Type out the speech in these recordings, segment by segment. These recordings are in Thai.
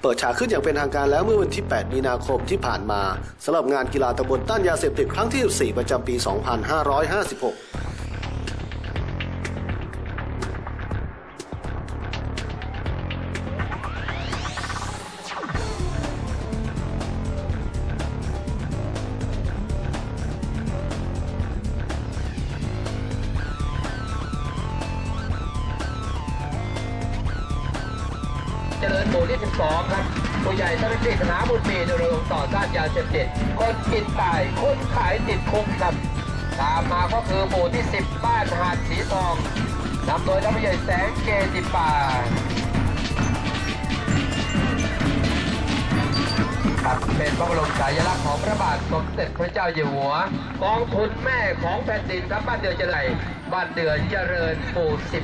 ปิดฉากขึ้นอย่างเป็นทางการแล้วเมื่อวันที่ 8 มีนาคมที่ผ่านมาสำหรับงานกีฬาตำบลต้านยาเสพติดครั้งที่ 14 ประจำปี 2556 เจริญหมู่ที่ 12 ครับผู้ใหญ่เจ้าหน้าที่คณะบุญมีโดยองค์ต่อต้านยาเสพติดคนกินตายคนขายติดคุกครับตามมาก็คือหมู่ที่ 10 บ้านหาดสีทองนำโดยท่านผู้ใหญ่แสงเกติป่าครับเป็นพระบรมฉายาลักษณ์ของพระบาทสมเด็จพระเจ้าอยู่หัวกองทุนแม่ของแผ่นดินครับบ้านเดือเจริญบ้านเดือเจริญหมู่ 15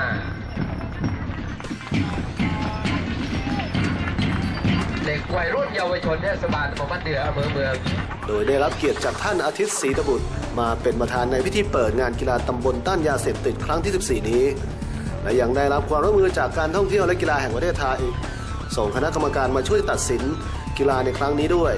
เด็กวัยรุ่นเยาวชนเทศบาลตำบลบ้านเดืออำเภอเมืองโดยได้รับเกียรติจากท่านอาทิตย์ศรีตบุตรมาเป็นประธานในพิธีเปิดงานกีฬาตำบลต้านยาเสพติดครั้งที่ 14 นี้และยังได้รับความร่วมมือจากการท่องเที่ยวและกีฬาแห่งประเทศไทยส่งคณะกรรมการมาช่วยตัดสินกีฬาในครั้งนี้ด้วย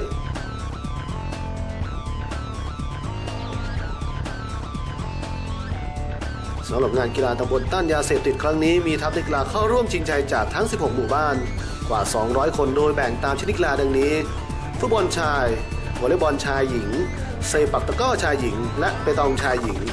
สำหรับงานกีฬาตำบลต้านยาเสพติดครั้งนี้มีทัพนักกีฬาเข้าร่วมชิงชัยจากทั้ง 16 หมู่บ้านกว่า 200 คนโดยแบ่งตามชนิดกีฬาดังนี้ฟุตบอลชายวอลเลย์บอลชายหญิงเซปักตะกร้อชายหญิงและเปตองชายหญิง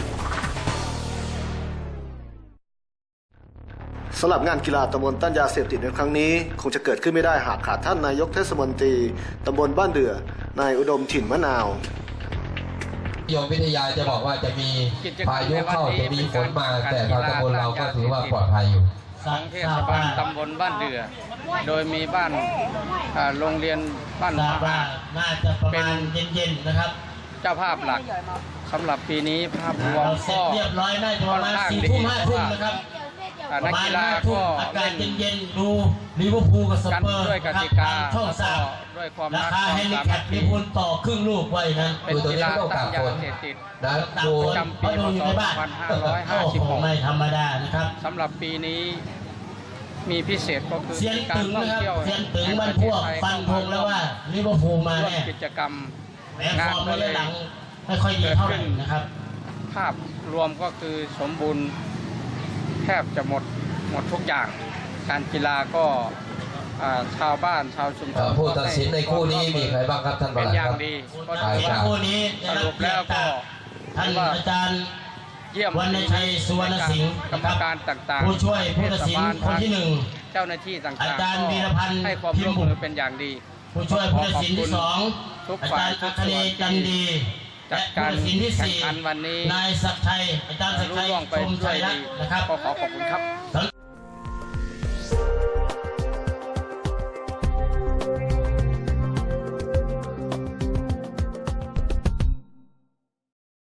สำหรับงานกีฬาตำบลต้านยาเสพติดในครั้งนี้คงจะเกิดขึ้นไม่ได้หากขาดท่านนายกเทศมนตรีตำบลบ้านเดือนายอุดมถิ่นมะนาวโยมวิทยาจะบอกว่าจะมีพายุเข้าจะมีฝนมาแต่ทางตำบลเราก็ถือว่าปลอดภัยอยู่ของเทศบาลตำบลบ้านเดือโดยมีบ้านโรงเรียนบ้านเป็นเย็นๆนะครับเจ้าภาพหลักสำหรับปีนี้ภาพรวมก็เรียบร้อยได้ประมาณ4 ทุ่ม 5 ทุ่มนะครับนักกีฬาก็อากาศเย็นๆดูลิเวอร์พูลกับสเปอร์ด้วยกติกาช่องสามด้วยความราคาให้ลิแคปลิเวอร์พูลต่อครึ่งลูกไว้นะเป็นกีฬาต้านยาเสพติดประจำปีพ.ศ. 2556 ไม่ธรรมดานะครับสำหรับปีนี้มีพิเศษก็คือการท่องเที่ยวเซียนตึงมันพวกฟันธงแล้วว่าลิเวอร์พูลมาแน่กิจกรรมงานก็เลยไม่ค่อยดีเท่าไหร่นะครับภาพรวมก็คือสมบูรณ์แทบจะหมดทุกอย่างการกีฬาก็ชาวบ้านชาวชุมชนผู้ตัดสินในคู่นี้มีใครบ้างครับท่านประหลัดครับคู่นี้สรุปแล้วก็ท่านอาจารย์เยี่ยมวรรณชัยสุวรรณสิงห์กรรมการต่างๆผู้ช่วยผู้ตัดสินคนที่1 เจ้าหน้าที่ต่างๆอาจารย์วีรพันธ์ให้ความร่วมมือเป็นอย่างดีผู้ช่วยผู้ตัดสินที่2อาจารย์อัคเนย์จันดีจัดการแข่งขันวันนี้นายศักดิ์ชัยอาจารย์ศักดิ์ชัยชมชัยนะครับขอขอบคุณครับ